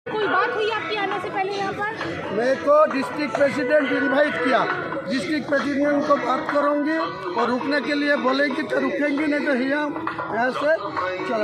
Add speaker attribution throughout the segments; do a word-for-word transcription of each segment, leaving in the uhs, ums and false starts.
Speaker 1: कोई बात हुई आपकी आने से पहले यहाँ पर?
Speaker 2: मेरे को डिस्ट्रिक्ट प्रेसिडेंट इनवाइट किया, डिस्ट्रिक्ट प्रेसिडेंट को बात करूंगी और रुकने के लिए बोलेगी तो रुकेंगी, नहीं तो यहाँ यहाँ से चला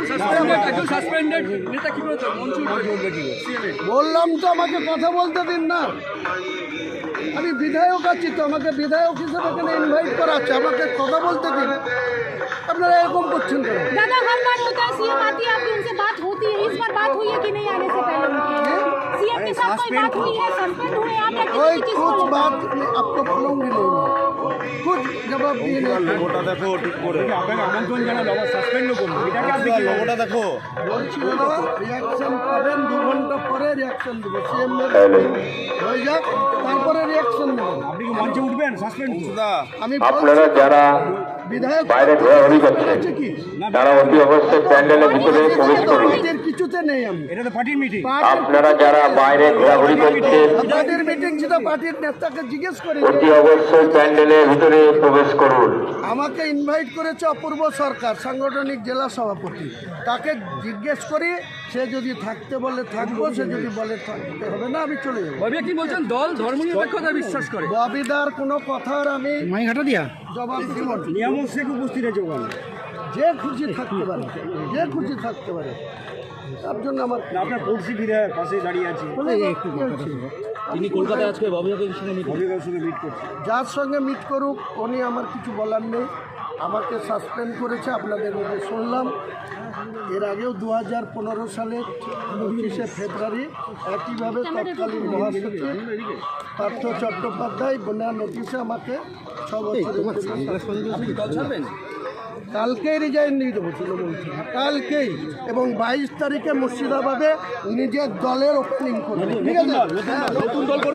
Speaker 2: जाए। বললাম তো আমাকে কথা বলতে দিন না, আমি বিধায়ক আছি তো, আমাকে বিধায়ক হিসেবে এখানে ইনভাইট করা আছে, আমাকে কথা বলতে দিন। আপনারা এরকম করছেন কেন?
Speaker 1: दादा हर बार होता है सीएम आती है आपकी उनसे बात होती है, इस बार बात हुई है कि नहीं आने से पहले उनकी? सीएम के साथ कोई बात हुई है, सस्पेंड हुए आप या
Speaker 2: कोई
Speaker 1: किसी चीज
Speaker 2: कुछ
Speaker 1: को
Speaker 2: बात आपको बोलूंगी नहीं, कुछ जवाब दिए नहीं।
Speaker 3: লোগোটা দেখো ঠিক করে,
Speaker 4: আপনাকে আমন্ত্রণ জানালো আবার সাসপেন্ডও করলো, এটাকে আপনি কি
Speaker 3: লোগোটা দেখো।
Speaker 2: বলছি দাদা রিয়াকশন পাবেন, দু ঘন্টা পরে রিয়াকশন দেবো, সিএম হয়ে যাক তারপরে রিয়াকশন দেবেন।
Speaker 4: আপনি কি মঞ্চে উঠবেন সাসপেন্ড?
Speaker 2: আমি
Speaker 5: আপনারা যারা
Speaker 2: বিধায়ক
Speaker 5: বাইরে ঘোরাঘুরি করছেন
Speaker 2: আছে কি
Speaker 5: তারা অতি অবশ্যই প্যান্ডেলের ভিতরে প্রবেশ করুন।
Speaker 2: এদের কিছুতে নেই আমি।
Speaker 4: এটা তো পার্টির মিটিং।
Speaker 5: আপনারা যারা বাইরে ঘোরাঘুরি করছেন
Speaker 2: পার্টির মিটিং ছিল, পার্টির নেতাকে জিজ্ঞেস করে
Speaker 5: অতি অবশ্যই প্যান্ডেলের ভিতরে প্রবেশ করুন।
Speaker 2: আমাকে ইনভাইট করেছে অপূর্ব সরকার, সাংগঠনিক জেলা সভাপতি, তাকে জিজ্ঞেস করি, সে যদি থাকতে বলে থাকবো, সে যদি বলে থাকতে হবে না আমি চলে যাবো।
Speaker 4: ববি কি বলছেন দল ধর্মনিরপেক্ষতা বিশ্বাস করে?
Speaker 2: ববিদার কোনো কথার আমি
Speaker 4: মাইঘাটা দিয়া
Speaker 2: জবাব দিব না।
Speaker 4: নিয়ামক শেখ উপস্থিত আছে ওখানে।
Speaker 2: যে খুশি থাকতে পারে, যে খুশি থাকতে পারে, তার জন্য আমার
Speaker 4: আপনার পড়শি বিধায়ক পাশে দাঁড়িয়ে আছে, তিনি কলকাতায় আজকে ববিদার সঙ্গে মিট ববিদার সঙ্গে মিট করছেন।
Speaker 2: যার সঙ্গে মিট করুক, উনি আমার কিছু বলার নেই। আমাকে সাসপেন্ড করেছে, আপনাদের মধ্যে শুনলাম। এর আগেও দু হাজার পনেরো সালের পঁচিশে ফেব্রুয়ারি একইভাবে তৎকালীন মহাসচিব পার্থ চট্টোপাধ্যায় বন্যা নোটিশে আমাকে ছ বছর কালকেই রিজাইন দিয়ে দেবো তৃণমূল থেকে, কালকেই। এবং বাইশ তারিখে মুর্শিদাবাদে নিজের দলের ওপেনিং করবো, ঠিক আছে?